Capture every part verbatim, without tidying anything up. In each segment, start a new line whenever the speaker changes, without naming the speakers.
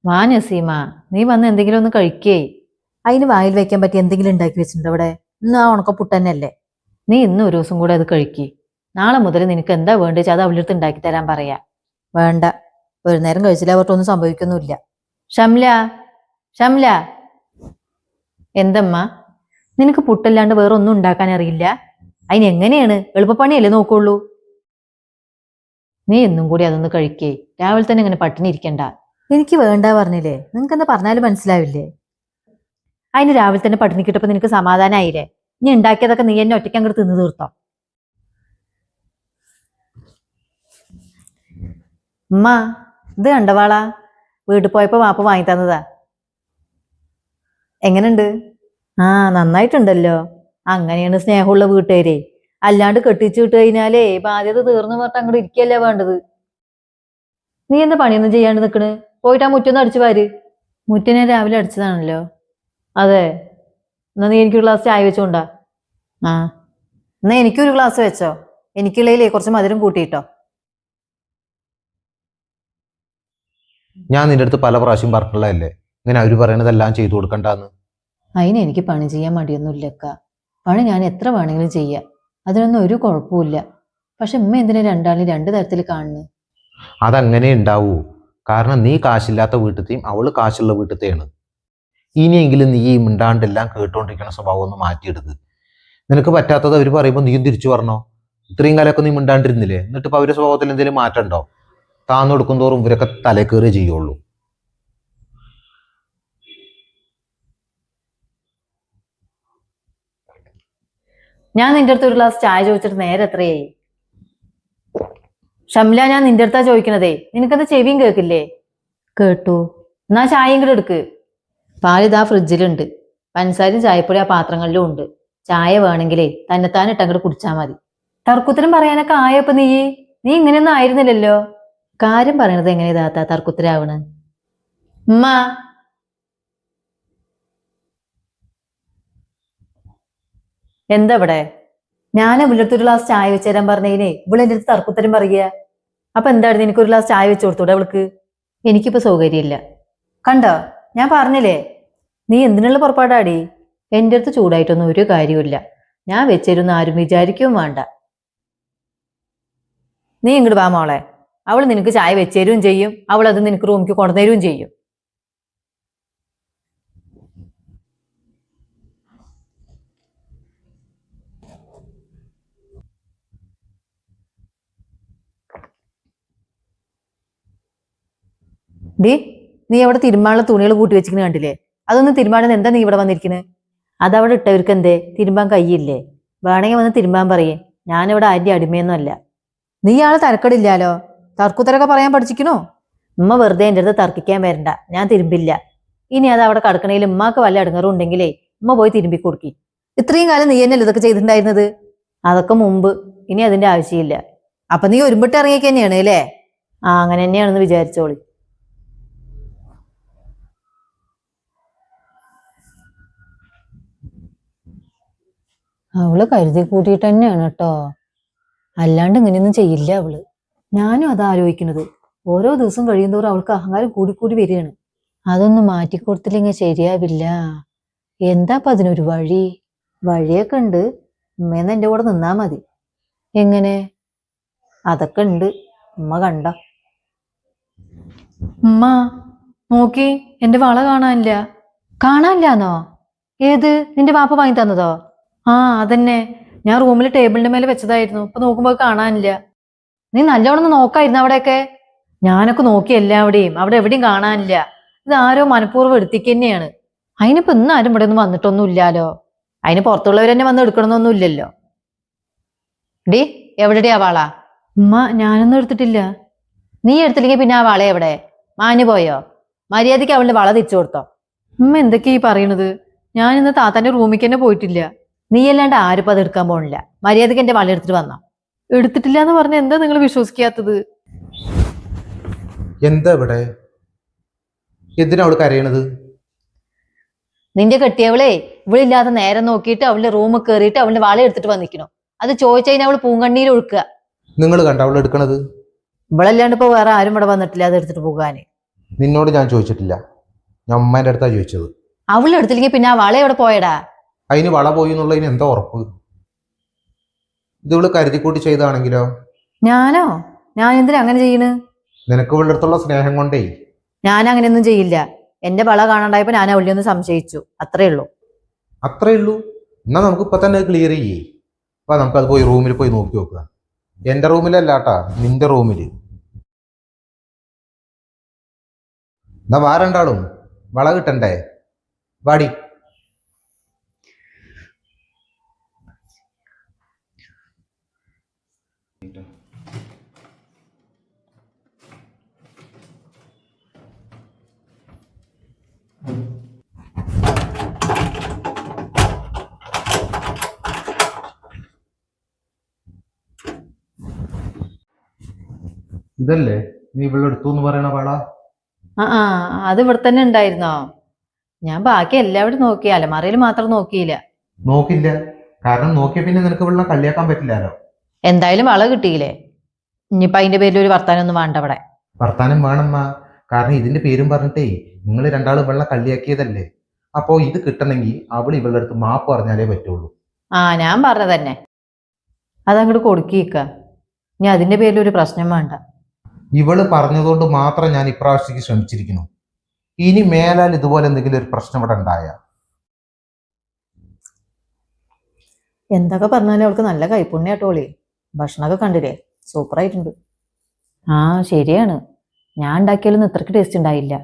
വാ നസീമ, നീ വന്ന് എന്തെങ്കിലും ഒന്ന് കഴിക്കേ. അതിന് വായിൽ വെക്കാൻ പറ്റി എന്തെങ്കിലും ഉണ്ടാക്കി വെച്ചിട്ടുണ്ട് അവിടെ. ഇന്ന് ആ ഉണക്കപ്പുട്ട് തന്നെയല്ലേ. നീ ഇന്ന് ഒരു ദിവസം കൂടെ അത് കഴിക്കേ. നാളെ മുതൽ നിനക്ക് എന്താ വേണ്ടത് അത് അവളുടെ അടുത്ത് ഉണ്ടാക്കി തരാൻ പറയാ. വേണ്ട, ഒരു നേരം കഴിച്ചില്ല അവർക്കൊന്നും സംഭവിക്കൊന്നുമില്ല. ഷംല, ഷംല, എന്തമ്മ നിനക്ക് പുട്ടല്ലാണ്ട് വേറെ ഒന്നും ഉണ്ടാക്കാൻ അറിയില്ല? അതിനെങ്ങനെയാണ്? എളുപ്പപ്പണിയല്ലേ നോക്കുള്ളൂ. നീ എന്നും കൂടി അതൊന്ന് കഴിക്കേ. രാവിലെ തന്നെ ഇങ്ങനെ പട്ടിണി ഇരിക്കണ്ട. എനിക്ക് വേണ്ട പറഞ്ഞില്ലേ, നിനക്ക് എന്താ പറഞ്ഞാലും മനസ്സിലാവില്ലേ? അതിന് രാവിലെ തന്നെ പട്ടിണി കിട്ടപ്പോ നിനക്ക് സമാധാനമായില്ലേ? നീ ഉണ്ടാക്കിയതൊക്കെ നീ എന്നെ ഒറ്റയ്ക്ക് അങ്ങോട്ട് തിന്നു തീർത്തോ. ഉമ്മ, ഇത് കണ്ടവാളാ, വീട്ടിൽ പോയപ്പോ വാപ്പ വാങ്ങി തന്നതാ. എങ്ങനുണ്ട്? ആ, നന്നായിട്ടുണ്ടല്ലോ. അങ്ങനെയാണ് സ്നേഹമുള്ള വീട്ടുകാരെ. അല്ലാണ്ട് കെട്ടിച്ചു വിട്ട് കഴിഞ്ഞാലേ ബാധ്യത തീർന്നു പറഞ്ഞിട്ട് അങ്ങോട്ട് ഇരിക്കല്ലേ വേണ്ടത്. നീ എന്താ പണിയൊന്നും ചെയ്യാണ്ട് നിക്കണ്? പോയിട്ട് ആ മുറ്റൊന്ന് അടിച്ചു പാര്. മുറ്റനെ രാവിലെ അടിച്ചതാണല്ലോ. അതെ, എന്നാ നീ എനിക്കൊരു ഗ്ലാസ് ചായ വെച്ചോണ്ടാ. ആ, എന്നാ എനിക്കൊരു ഗ്ലാസ് വെച്ചോ. എനിക്കുള്ളതിലേ കുറച്ച് മധുരം കൂട്ടിയിട്ടോ.
ഞാൻ നിന്റെ അടുത്ത് പല പ്രാവശ്യം പറഞ്ഞിട്ടുള്ളതല്ലേ ഇങ്ങനെ അവര് പറയണതെല്ലാം ചെയ്തു കൊടുക്കണ്ടെന്ന്.
അതിന് എനിക്ക് പണി ചെയ്യാൻ മടിയൊന്നുമില്ലക്ക. പണി ഞാൻ എത്ര വേണമെങ്കിലും ചെയ്യാം, അതിനൊന്നും ഒരു കുഴപ്പമില്ല. പക്ഷെ ഉമ്മ എന്തിനാ രണ്ടാളും രണ്ടു തരത്തിൽ കാണുന്നു?
അതങ്ങനെ ഉണ്ടാവൂ. കാരണം നീ കാശില്ലാത്ത വീട്ടിലത്തെയും അവള് കാശുള്ള വീട്ടിലത്തെയാണ്. ഇനിയെങ്കിലും നീ ഈ മിണ്ടാണ്ടെല്ലാം കേട്ടോണ്ടിരിക്കുന്ന സ്വഭാവം ഒന്ന് മാറ്റിയെടുത്ത്. നിനക്ക് പറ്റാത്തത് അവർ പറയുമ്പോൾ നീയും തിരിച്ചു പറഞ്ഞോ. ഇത്രയും കാലമൊക്കെ നീ മിണ്ടാണ്ടിരുന്നില്ലേ? എന്നിട്ട് ഇപ്പൊ അവരുടെ സ്വഭാവത്തിൽ എന്തെങ്കിലും മാറ്റമുണ്ടോ? താന്നു കൊടുക്കും തോറും ഇവരൊക്കെ തലക്കേറി ചെയ്യുള്ളൂ.
ഞാൻ നിന്റെ അടുത്ത് ഒരു ഗ്ലാസ് ചായ ചോദിച്ചിട്ട് നേരെ എത്രയായി? ഷംല, ഞാൻ നിന്റെ അടുത്താ ചോദിക്കണതേ. നിനക്കത് ചെവിയും കേൾക്കില്ലേ? കേട്ടു. എന്നാ ചായയും കൂടെ എടുക്ക്. പാലിതാ ഫ്രിഡ്ജിലുണ്ട്. പഞ്ചസാരയും ചായപ്പൊടി ആ പാത്രങ്ങളിലും ഉണ്ട്. ചായ വേണമെങ്കിലേ തന്നെത്താൻ ഇട്ടങ്ങോട്ട് കുടിച്ചാ മതി. തർക്കുത്തരം പറയാനൊക്കെ ആയപ്പോ നീ നീ ഇങ്ങനെയൊന്നും ആയിരുന്നില്ലല്ലോ. കാര്യം പറയണത് എങ്ങനെയാ താത്ത തർക്കുത്തരാവണ്? ഉമ്മ, എന്താ ഇവിടെ? ഞാൻ ഇവിടുത്തെ ഒരു ഗ്ലാസ് ചായ വെച്ച് തരാൻ പറഞ്ഞതിനെ ഇവിടെ എൻ്റെ അടുത്ത് തർക്കുത്തരം പറയുക. അപ്പൊ എന്തായിരുന്നു, എനിക്കൊരു ഗ്ലാസ് ചായ വെച്ച് കൊടുത്തൂടെ അവൾക്ക്? എനിക്കിപ്പോ സൗകര്യമില്ല. കണ്ടോ, ഞാൻ പറഞ്ഞില്ലേ. നീ എന്തിനുള്ള പുറപ്പാടാടി? എൻ്റെ അടുത്ത് ചൂടായിട്ടൊന്നും ഒരു കാര്യമില്ല. ഞാൻ വെച്ചിരുന്ന ആരും വിചാരിക്കുകയും വേണ്ട. നീ ഇങ്ങോട്ട് വാ മോളെ. അവൾ നിനക്ക് ചായ വെച്ചേരും ചെയ്യും, അവൾ അത് നിനക്ക് റൂമിക്ക് കൊണ്ടുതരുകയും ചെയ്യും. ഡി, നീ അവിടെ തിരുമ്പാനുള്ള തുണികൾ കൂട്ടി വെച്ചിരിക്കുന്ന കണ്ടില്ലേ? അതൊന്നും തിരുമ്പാണെന്ന് എന്താ നീ ഇവിടെ വന്നിരിക്കുന്നത്? അതവിടെ ഇട്ടവർക്ക് എന്തേ? തിരുമ്പാൻ കയ്യില്ലേ? വേണമെങ്കിൽ വന്ന് തിരുമ്പാൻ പറയേ. ഞാനിവിടെ ആരുടെ അടിമയൊന്നും അല്ല. നീ ആള് തരക്കടില്ലാലോ. തർക്കുത്തരൊക്കെ പറയാൻ പഠിച്ചിക്കണോ? ഉമ്മ വെറുതെ എൻ്റെ അടുത്ത് തർക്കിക്കാൻ വരണ്ട. ഞാൻ തിരുമ്പില്ല. ഇനി അത് അവിടെ കടക്കണേൽ ഉമ്മാക്ക് വല്ല അടുങ്ങറും ഉണ്ടെങ്കിലേ ഉമ്മ പോയി തിരുമ്പി കൊടുക്കി. ഇത്രയും കാലം നീ എന്നല്ലേ ഇതൊക്കെ ചെയ്തിട്ടുണ്ടായിരുന്നത്? അതൊക്കെ മുമ്പ്. ഇനി അതിന്റെ ആവശ്യമില്ല. അപ്പൊ നീ ഒരുമ്പിട്ട് ഇറങ്ങിയൊക്കെ തന്നെയാണ് അല്ലേ? ആ, അങ്ങനെ തന്നെയാണെന്ന് വിചാരിച്ചോളി. അവള് കരുതി കൂട്ടിയിട്ട് തന്നെയാണ് കേട്ടോ. അല്ലാണ്ട് ഇങ്ങനെയൊന്നും ചെയ്യില്ല അവള്. ഞാനും അത് ആലോചിക്കുന്നത്. ഓരോ ദിവസം കഴിയുന്തോറും അവൾക്ക് അഹങ്കാരം കൂടിക്കൂടി വരികയാണ്. അതൊന്നും മാറ്റിക്കൊടുത്തില്ലെങ്കിൽ ശരിയാവില്ല. എന്താ അപ്പൊ അതിനൊരു വഴി? വഴിയൊക്കെ ഉണ്ട്. ഉമ്മേന്ന് എൻ്റെ കൂടെ നിന്നാ മതി. എങ്ങനെ? അതൊക്കെ ഉണ്ട്. ഉമ്മ കണ്ട. ഉമ്മ നോക്കി, എന്റെ വള കാണാനില്ല. കാണാനില്ലാന്നോ? ഏത്? നിന്റെ വാപ്പ വാങ്ങി തന്നതോ? ആ, അതന്നെ. ഞാൻ റൂമിൽ ടേബിളിന്റെ മേലെ വെച്ചതായിരുന്നു. ഇപ്പൊ നോക്കുമ്പോ കാണാനില്ല. നീ നല്ലോണം നോക്കായിരുന്നു അവിടെയൊക്കെ. ഞാനൊക്കെ നോക്കി എല്ലാവിടെയും. അവിടെ എവിടെയും കാണാനില്ല. ഇത് ആരോ മനഃപൂർവ്വം എടുത്തിക്ക് തന്നെയാണ്. അതിനിപ്പോ ഇന്ന് ആരും ഇവിടെ ഒന്നും വന്നിട്ടൊന്നും ഇല്ലാലോ. അതിന് പുറത്തുള്ളവർ തന്നെ വന്ന് എടുക്കണമെന്നൊന്നും ഇല്ലല്ലോ. ഡി, എവിടെയാ വാള? ഉമ്മ, ഞാനൊന്നും എടുത്തിട്ടില്ല. നീ എടുത്തില്ലെങ്കിൽ പിന്നെ ആ വള എവിടെ? മാഞ്ഞു പോയോ? മര്യാദയ്ക്ക് അവളുടെ വള തിരിച്ചു കൊടുത്തോ? ഉമ്മ എന്തൊക്കെയാ ഈ പറയണത്? ഞാൻ ഇന്ന് താത്താന്റെ റൂമിക്ക് തന്നെ പോയിട്ടില്ല. നീ അല്ലാണ്ട് ആരും അത് എടുക്കാൻ പോണില്ല. മര്യാദയ്ക്ക് എന്റെ വള എടുത്തിട്ട് വന്നോ. എടുത്തിട്ടില്ല എന്ന് പറഞ്ഞ എന്താ നിങ്ങൾ വിശ്വസിക്കാത്തത്?
എന്താ ഇവിടെ? എന്തിനാ അവള് കരയണത്?
നിന്റെ കെട്ടിയവളെ ഇവളില്ലാതെ നേരം നോക്കിയിട്ട് അവളുടെ റൂമിൽ കയറിയിട്ട് അവളുടെ വള എടുത്തിട്ട് വന്നിക്കണോ. അത് ചോദിച്ചതിന് അവള് പൂങ്കണ്ണീര് ഒഴുക്കുക.
നിങ്ങൾ കണ്ട അവൾ എടുക്കണത്?
ഇവളല്ലാണ്ട് ഇപ്പൊ വേറെ ആരും ഇവിടെ വന്നിട്ടില്ല അത് എടുത്തിട്ട് പോകാന്.
നിന്നോട് ഞാൻ ചോദിച്ചിട്ടില്ല, ഞാൻ ഉമ്മേൻ്റെ അടുത്താണ് ചോദിച്ചത്.
അവളുടെ അടുത്തില്ലെങ്കിൽ പിന്നെ ആ വള എവിടെ പോയടാ?
അതിന് വള പോയി എന്നുള്ളതിന് എന്താ ഉറപ്പ്? ഇത് ഇവള് കരുതിക്കൂട്ടി ചെയ്താണെങ്കിലോ?
ഞാനോ? ഞാൻ എന്തിനാ അങ്ങനെ ചെയ്യണ്?
നിനക്ക് ഇവളുടെ അടുത്തുള്ള സ്നേഹം കൊണ്ടേ.
ഞാൻ അങ്ങനെയൊന്നും ചെയ്യില്ല. എന്റെ വള കാണാണ്ടായപ്പോ ഞാൻ അവളെ ഒന്ന് സംശയിച്ചു, അത്രേ ഉള്ളൂ.
അത്രേ ഉള്ളൂ? എന്നാ നമുക്ക് ഇപ്പൊ തന്നെ ക്ലിയർ ചെയ്യേ. അപ്പൊ നമുക്കത് പോയി റൂമിൽ പോയി നോക്കി നോക്കുക. എന്റെ റൂമിലല്ലാട്ടാ, നിന്റെ റൂമില്. എന്നാ വാരണ്ടാളും വള കിട്ടണ്ടേ? വാടി. ഇതല്ലേ നീ ഇവിടെ എടുത്തു എന്ന് പറയണ വള?
ആ ആ അത് ഇവിടെ തന്നെ ഉണ്ടായിരുന്നോ? ഞാൻ ബാക്കി എല്ലാവരും നോക്കി, അലമാറയിൽ മാത്രം നോക്കിയില്ല.
നോക്കില്ല, കാരണം നോക്കിയ പിന്നെ നിനക്ക് ഇവിടെ കളിയാക്കാൻ പറ്റില്ലല്ലോ.
എന്തായാലും വള കിട്ടിയില്ലേ? ഇനിയിപ്പൊ അതിന്റെ പേരിൽ ഒരു വർത്താനം ഒന്നും വേണ്ട അവിടെ.
വർത്താനം വേണമ്മ, കാരണം ഇതിന്റെ പേരും പറഞ്ഞിട്ടേ നിങ്ങൾ രണ്ടാളും വെള്ളം കള്ളിയാക്കിയതല്ലേ. അപ്പോ ഇത് കിട്ടണമെങ്കിൽ അവൾ ഇവളുടെ അടുത്ത് മാപ്പ് പറഞ്ഞാലേ പറ്റുള്ളൂ.
ആ ഞാൻ പറഞ്ഞ തന്നെ, അതങ്ങോട്ട് കൊടുക്കിക്ക. ഇനി അതിന്റെ പേരിൽ ഒരു പ്രശ്നം വേണ്ട.
ഇവള് പറഞ്ഞതുകൊണ്ട് മാത്രം ഞാൻ ഇപ്രാവശ്യത്തേക്ക് ശ്രമിച്ചിരിക്കുന്നു. ഇനി മേലാൽ ഇതുപോലെ എന്തെങ്കിലും ഒരു പ്രശ്നം ഇവിടെ ഉണ്ടായ
എന്തൊക്കെ പറഞ്ഞാലും അവൾക്ക് നല്ല കൈപ്പുണ്യാട്ടോളി. ഭക്ഷണമൊക്കെ കണ്ടില്ലേ, സൂപ്പറായിട്ടുണ്ട്. ആ ശരിയാണ്, ഞാൻ ഉണ്ടാക്കിയാലൊന്നും ഇത്രക്ക് ടേസ്റ്റ് ഉണ്ടായില്ല.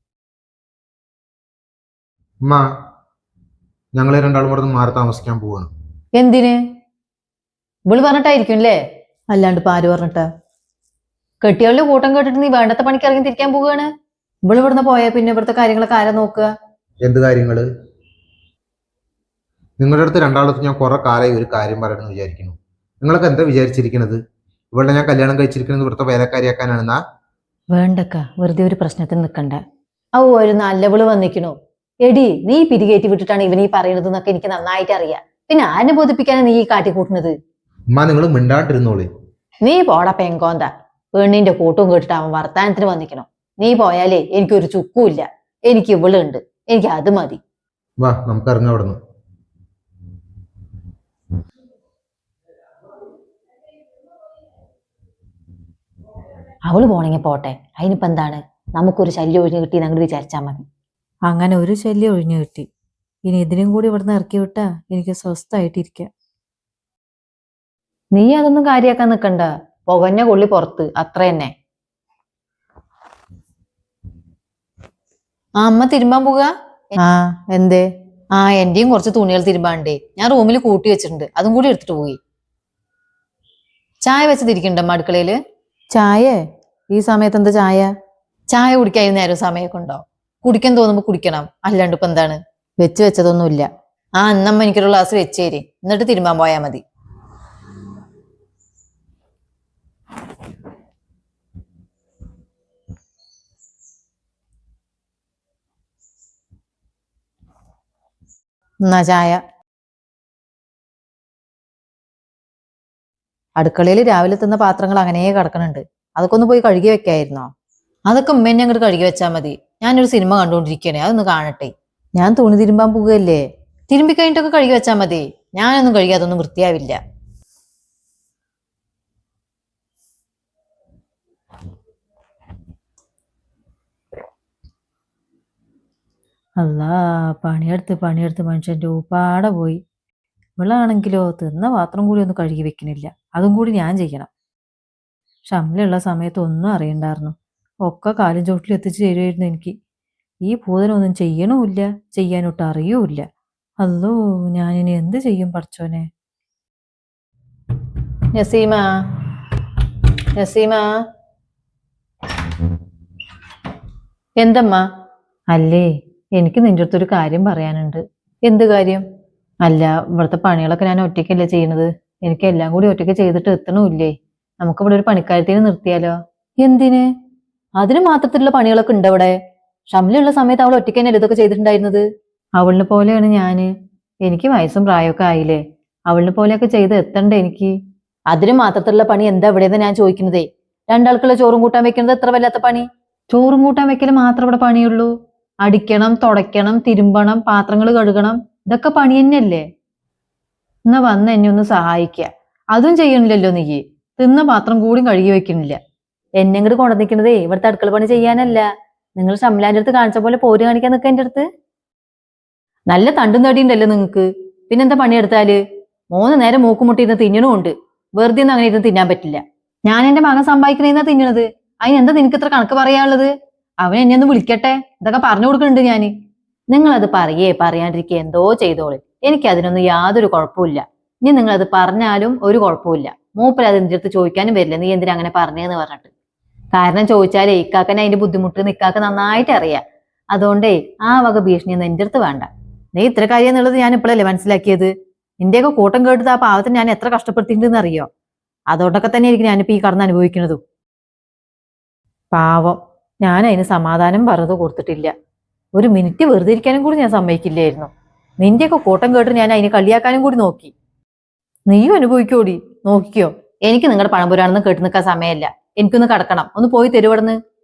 അമ്മ, ഞങ്ങളെ രണ്ടാളും ഇവിടെ മാറി താമസിക്കാൻ പോവാണ്.
എന്തിന്? ഇവള് പറഞ്ഞിട്ടായിരിക്കും അല്ലേ, അല്ലാണ്ട് ഇപ്പൊ ആര് പറഞ്ഞിട്ടാ? കെട്ടിയവളുടെ കൂട്ടം കേട്ടിട്ട് നീ വേണ്ടത്തെ പണിക്ക് ഇറങ്ങി തിരിക്കാൻ പോവുകയാണ്. ഇവള് ഇവിടുന്ന് പോയാൽ പിന്നെ ഇവിടുത്തെ കാര്യങ്ങളൊക്കെ ആരാ നോക്കുക?
എന്ത് കാര്യങ്ങള്? നിങ്ങളുടെ അടുത്ത് രണ്ടാളത്ത് ഞാൻ കുറെ കാലമായി ഒരു കാര്യം പറയണമെന്ന് വിചാരിക്കുന്നു. നിങ്ങളൊക്കെ എന്താ വിചാരിച്ചിരിക്കുന്നത്? ഇവളുടെ ഞാൻ കല്യാണം കഴിച്ചിരിക്കുന്നത് ഇവിടുത്തെ വേലക്കാരിയാക്കാനാണെന്നാ?
വേണ്ടക്ക, വെറുതെ ഒരു പ്രശ്നത്തിന് നിൽക്കണ്ട. ഓ ഒരു നല്ലവള് വന്നിക്കണു. എടി നീ പിരികേറ്റി വിട്ടിട്ടാണ് ഇവൻ ഈ പറയുന്നത് എന്നൊക്കെ എനിക്ക് നന്നായിട്ട് അറിയാം. പിന്നെ ആരെ ബോധിപ്പിക്കാനാണ് നീ ഈ കാട്ടിക്കൂട്ടുന്നത്?
ഉമ്മ, നിങ്ങൾ മിണ്ടാണ്ടിരുന്നോളി.
നീ പോടാ പെങ്കോന്ത. പെണ്ണിന്റെ കൂട്ടും കേട്ടിട്ട് അവൻ വർത്താനത്തിന് വന്നിക്കണോ. നീ പോയാലേ എനിക്കൊരു ചുക്കുമില്ല. എനിക്ക് ഇവളുണ്ട്, എനിക്ക് അത് മതി.
വാ, നമുക്ക് ഇറങ്ങാം അവിടെ നിന്ന്.
അവള് പോണെങ്കിൽ പോട്ടെ, അതിനിപ്പോ എന്താണ്? നമുക്കൊരു ശല്യം ഒഴിഞ്ഞു കിട്ടി അങ്ങോട്ട് വിചാരിച്ചാൽ മതി. അങ്ങനെ ഒരു ശല്യം ഒഴിഞ്ഞു കിട്ടി. ഇനി ഇതിനും കൂടി ഇവിടുന്ന് ഇറക്കി വിട്ടാ എനിക്ക് സ്വസ്ഥമായിട്ടിരിക്കാം. നീ അതൊന്നും കാര്യാക്കാൻ നിക്കണ്ട. പുകഞ്ഞ കൊള്ളി പുറത്ത്, അത്ര തന്നെ. ആ അമ്മ തിരുമ്പാൻ പോവുക? ആ എന്തേ? ആ എന്റെയും കുറച്ച് തുണികൾ തിരുമ്പാണ്ടേ, ഞാൻ റൂമിൽ കൂട്ടി വെച്ചിട്ടുണ്ട്, അതും കൂടി എടുത്തിട്ട് പോയി. ചായ വെച്ചതിരിക്കണ്ടമ്മ അടുക്കളയില്? ചായ ഈ സമയത്ത് എന്താ ചായ? ചായ കുടിക്കാൻ നേരം സമയമൊക്കെ ഉണ്ടോ? കുടിക്കാൻ തോന്നുമ്പോ കുടിക്കണം, അല്ലാണ്ട് ഇപ്പൊ എന്താണ്? വെച്ച് വെച്ചതൊന്നുമില്ല. ആ എന്നമ്മ എനിക്കൊരു ഗ്ലാസ് വെച്ചേരി, എന്നിട്ട് തിരുമ്പാൻ പോയാ മതി. എന്നാ ചായ. അടുക്കളയിൽ രാവിലെ തിന്ന പാത്രങ്ങൾ അങ്ങനെ കിടക്കണുണ്ട്, അതൊക്കെ ഒന്ന് പോയി കഴുകി വെക്കായിരുന്നോ? അതൊക്കെ ഉമ്മേനെ അങ്ങോട്ട് കഴുകി വെച്ചാൽ മതി. ഞാനൊരു സിനിമ കണ്ടുകൊണ്ടിരിക്കണേ, അതൊന്ന് കാണട്ടെ. ഞാൻ തുണി തിരുമ്പാൻ പോവുകയല്ലേ, തിരുമ്പി കഴിഞ്ഞിട്ടൊക്കെ കഴുകി വെച്ചാൽ മതി. ഞാനൊന്നും കഴുകി അതൊന്നും വൃത്തിയാവില്ല. അല്ലാ, പണിയെടുത്ത് പണിയെടുത്ത് മനുഷ്യന്റെ ഊപ്പാടെ പോയി. ഇവളാണെങ്കിലോ തിന്ന പാത്രം കൂടി ഒന്ന് കഴുകി വെക്കണില്ല, അതും കൂടി ഞാൻ ചെയ്യണം. ഷംലുള്ള സമയത്ത് ഒന്നും അറിയണ്ടായിരുന്നു, ഒക്കെ കാലും ചോട്ടിൽ എത്തിച്ചു തരുമായിരുന്നു എനിക്ക്. ഈ ഭൂതനൊന്നും ചെയ്യണമില്ല, ചെയ്യാനൊട്ട് അറിയൂല്ല. അല്ലോ, ഞാനിനി എന്ത് ചെയ്യും പടച്ചോനെ? നസീമ, നസീമ. എന്തമ്മ? അല്ലേ, എനിക്ക് നിന്റെ അടുത്തൊരു കാര്യം പറയാനുണ്ട്. എന്ത് കാര്യം? അല്ല, ഇവിടുത്തെ പണികളൊക്കെ ഞാൻ ഒറ്റയ്ക്കല്ലേ ചെയ്യണത്. എനിക്ക് എല്ലാം കൂടി ഒറ്റയ്ക്ക് ചെയ്തിട്ട് എത്തണമില്ലേ. നമുക്ക് ഇവിടെ ഒരു പണിക്കാരത്തിന് നിർത്തിയാലോ? എന്തിന്? അതിന് മാത്രത്തിലുള്ള പണികളൊക്കെ ഉണ്ട് അവിടെ. ഷംലുള്ള സമയത്ത് അവൾ ഒറ്റയ്ക്ക് തന്നെ ഇതൊക്കെ ചെയ്തിട്ടുണ്ടായിരുന്നത്. അവളിനെ പോലെയാണ് ഞാന്. എനിക്ക് വയസ്സും പ്രായമൊക്കെ ആയില്ലേ, അവളിനെ പോലെയൊക്കെ ചെയ്ത് എത്തണ്ടേ എനിക്ക്. അതിന് മാത്രത്തിലുള്ള പണി എന്താ ഇവിടെയെന്ന് ഞാൻ ചോദിക്കുന്നതേ. രണ്ടാൾക്കുള്ള ചോറും കൂട്ടാൻ വെക്കുന്നത് എത്ര വല്ലാത്ത പണി? ചോറും കൂട്ടാൻ വെക്കൽ മാത്രം ഇവിടെ പണിയുള്ളൂ. അടിക്കണം, തുടയ്ക്കണം, തിരുമ്പണം, പാത്രങ്ങൾ കഴുകണം, ഇതൊക്കെ പണി തന്നെയല്ലേ? എന്നാ വന്ന് എന്നെ ഒന്ന് സഹായിക്ക. അതും ചെയ്യണില്ലല്ലോ നീ. തിന്ന പാത്രം കൂടി കഴുകി വെക്കണില്ല. എന്നെ ഇങ്ങോട്ട് കൊണ്ടുവന്നിരിക്കണതേ ഇവിടുത്തെ അടുക്കള പണി ചെയ്യാനല്ല. നിങ്ങൾ ഷംലാന്റെ അടുത്ത് കാണിച്ച പോലെ പോര് കാണിക്കാൻ നിൽക്കുക എൻ്റെ അടുത്ത്. നല്ല തണ്ടും തടിയുണ്ടല്ലോ നിങ്ങക്ക്. പിന്നെന്താ പണിയെടുത്താല്? മൂന്ന് നേരം മൂക്കുമുട്ടിയിരുന്ന് തിന്നണമുണ്ട്. വെറുതെ ഒന്നും അങ്ങനെ ഇരുന്ന് തിന്നാൻ പറ്റില്ല. ഞാൻ എന്റെ മകൻ സമ്പാദിക്കണേന്നാ തിന്നണത്. അതിനെന്താ നിനക്ക് ഇത്ര കണക്ക് പറയാനുള്ളത്? അവൻ എന്നെ ഒന്ന് വിളിക്കട്ടെ, ഇതൊക്കെ പറഞ്ഞു കൊടുക്കുന്നുണ്ട് ഞാന്. നിങ്ങളത് പറയേ പറയാണ്ടിരിക്കുക എന്തോ ചെയ്തോളി. എനിക്ക് അതിനൊന്നും യാതൊരു കുഴപ്പമില്ല. ഇനി നിങ്ങളത് പറഞ്ഞാലും ഒരു കുഴപ്പമില്ല. മൂപ്പര് അത് എന്റെ അടുത്ത് ചോദിക്കാനും വരില്ല നീ എന്തിനാ അങ്ങനെ പറഞ്ഞേന്ന് പറഞ്ഞിട്ട്. കാരണം ചോദിച്ചാലേ ഇക്കാക്കനെ അതിന്റെ ബുദ്ധിമുട്ട് നിക്കാക്ക് നന്നായിട്ട് അറിയാം. അതുകൊണ്ടേ ആ വക ഭീഷണിയൊന്നും എന്റെ അടുത്ത് വേണ്ട. നീ ഇത്ര കാര്യം എന്നുള്ളത് ഞാൻ ഇപ്പോഴല്ലേ മനസ്സിലാക്കിയത്. നിന്റെയൊക്കെ കൂട്ടം കേട്ടത് ആ പാവത്തിന് ഞാൻ എത്ര കഷ്ടപ്പെടുത്തിയിട്ടുണ്ടെന്ന് അറിയോ? അതുകൊണ്ടൊക്കെ തന്നെ ആയിരിക്കും ഞാനിപ്പോ ഈ കടന്ന് അനുഭവിക്കുന്നതും. പാവം, ഞാൻ അതിന് സമാധാനം പറഞ്ഞത് കൊടുത്തിട്ടില്ല. ഒരു മിനിറ്റ് വെറുതെ ഇരിക്കാനും കൂടി ഞാൻ സമ്മതിക്കില്ലായിരുന്നു. നിന്റെയൊക്കെ കൂട്ടം കേട്ട് ഞാൻ അതിനെ കളിയാക്കാനും കൂടി നോക്കി. നീയും അനുഭവിക്കോടി, നോക്കിക്കോ. എനിക്ക് നിങ്ങളുടെ പഴംപുരാണെന്ന് കേട്ട് നിൽക്കാൻ സമയമല്ല. എനിക്കൊന്ന് കിടക്കണം. ഒന്ന് പോയി തരുവടന്ന്.